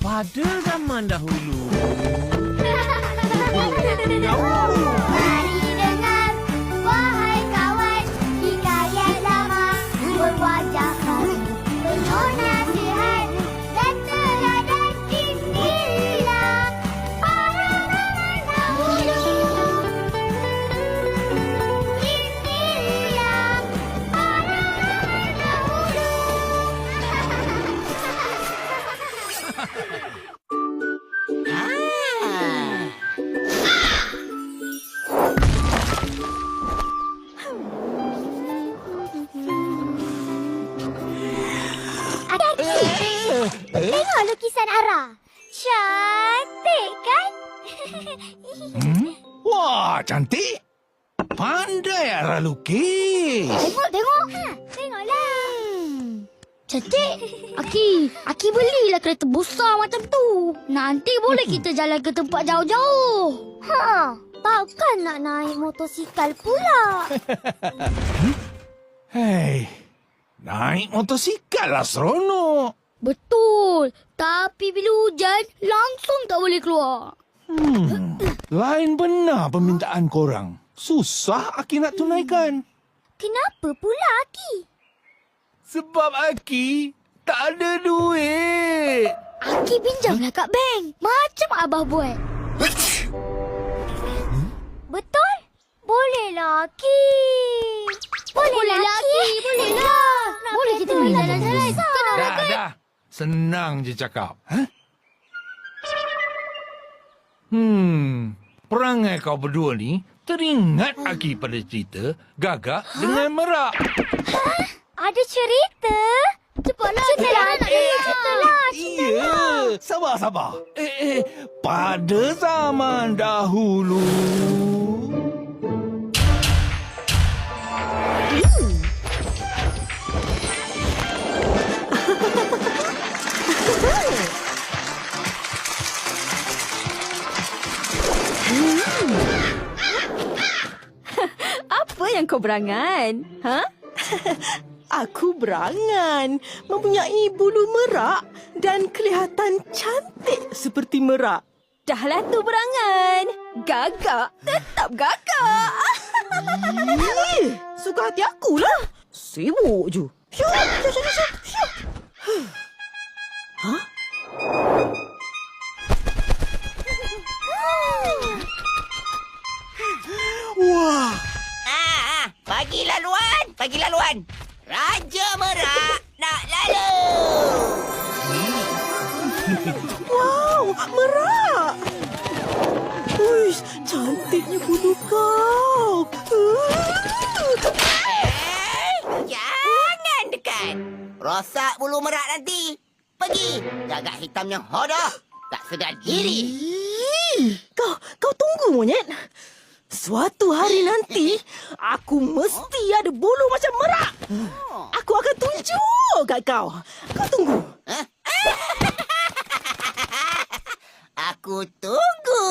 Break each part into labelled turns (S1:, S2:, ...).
S1: pada zaman dahulu.
S2: Mari dengar, wahai kawan, hikayat lama berwajah baru, penuh nasihat dan teladan inilah para zaman dahulu. Inilah para zaman dahulu. Tengok lukisan Ara. Cantik kan?
S1: Wah, cantik. Pandai Ara lukis.
S2: Tengok. Tengoklah.
S3: Cantik. Aki belilah kereta besar macam tu. Nanti boleh kita jalan ke tempat jauh-jauh.
S2: Takkan nak naik motosikal pula.
S1: Hei, naik motosikal lah seronok.
S3: Betul. Tapi bila hujan, langsung tak boleh keluar.
S1: Lain benar permintaan korang. Susah Aki nak tunaikan.
S2: Kenapa pula, Aki?
S1: Sebab Aki tak ada duit.
S3: Aki pinjamlah kat bank. Macam Abah buat.
S2: Betul? Bolehlah, Aki. Bolehlah, Aki.
S3: Bolehlah. Boleh kita pergi jalan-jalan.
S1: Dah. Senang je cakap. Perangai kau berdua ni teringat Aki pada cerita Gagak dengan Merak.
S2: Ada cerita? Cepatlah, ceritalah.
S1: Ya, sabar. Pada zaman dahulu.
S4: Apa yang kau berangan? Ha? Aku berangan mempunyai bulu merak dan kelihatan cantik seperti merak. Dahlah tu berangan. Gagak tetap gagak. Suka hati akulah. Sibuk je. Syuk. Hah?
S1: Wah,
S5: Bagi laluan. Raja Merak nak lalu.
S4: Wow, merak. Uish, cantiknya bulu kau.
S5: Jangan dekat. Rosak bulu merak nanti. Pergi. Gagak hitam yang hodoh. Tak sedar diri.
S4: Kau tunggu, monyet. Suatu hari nanti, aku mesti ada bulu macam merak. Aku akan tunjuk kat kau. Kau tunggu.
S5: Aku tunggu.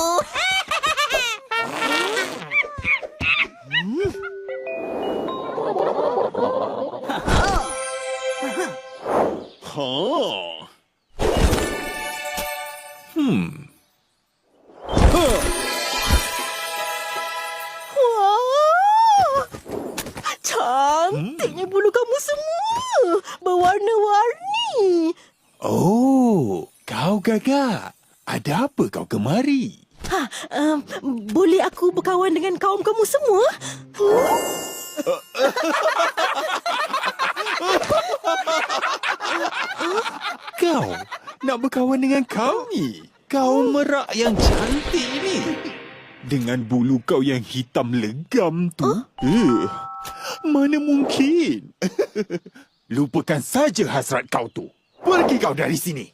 S4: Wah, cantiknya bulu kamu semua. Berwarna-warni.
S1: oh, kau Gagak. Ada apa kau kemari?
S4: Boleh aku berkawan dengan kaum kamu semua?
S1: Kau nak berkawan dengan kami? Kau merak yang cantik ni. Dengan bulu kau yang hitam legam tu. Mana mungkin? Lupakan saja hasrat kau tu. Pergi kau dari sini.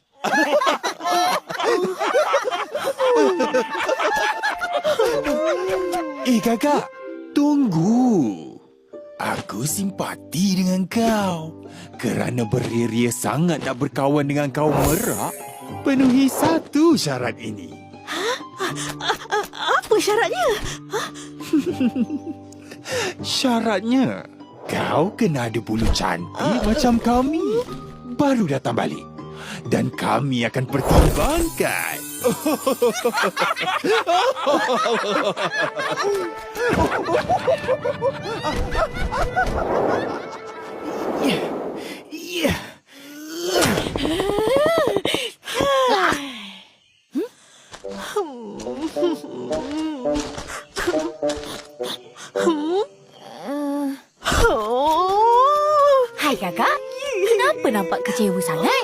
S1: Gagak, tunggu. Aku simpati dengan kau. Kerana beria-ria sangat nak berkawan dengan kaum merak, penuhi satu syarat ini.
S4: Apa syaratnya?
S1: Syaratnya, kau kena ada bulu cantik macam kami. Baru datang balik. dan kami akan pertimbangkan.
S2: Hai kakak, kenapa nampak kecewa sangat?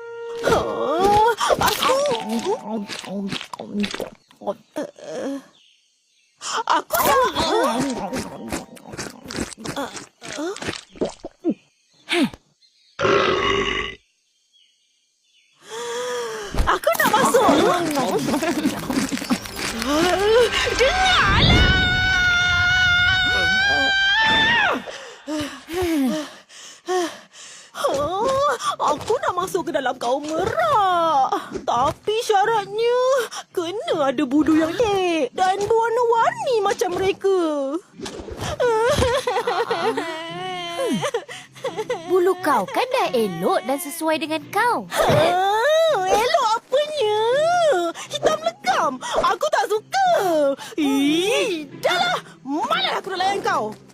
S4: Aku nak masuk. Aku nak masuk ke dalam kaum merak. Tapi syaratnya kena ada bulu yang lek dan berwarna-warni macam mereka.
S2: Bulu kau kan dah elok dan sesuai dengan kau.
S4: Elok apanya? Hitam legam. Aku tak suka. Dah lah. Malah aku nak layan kau.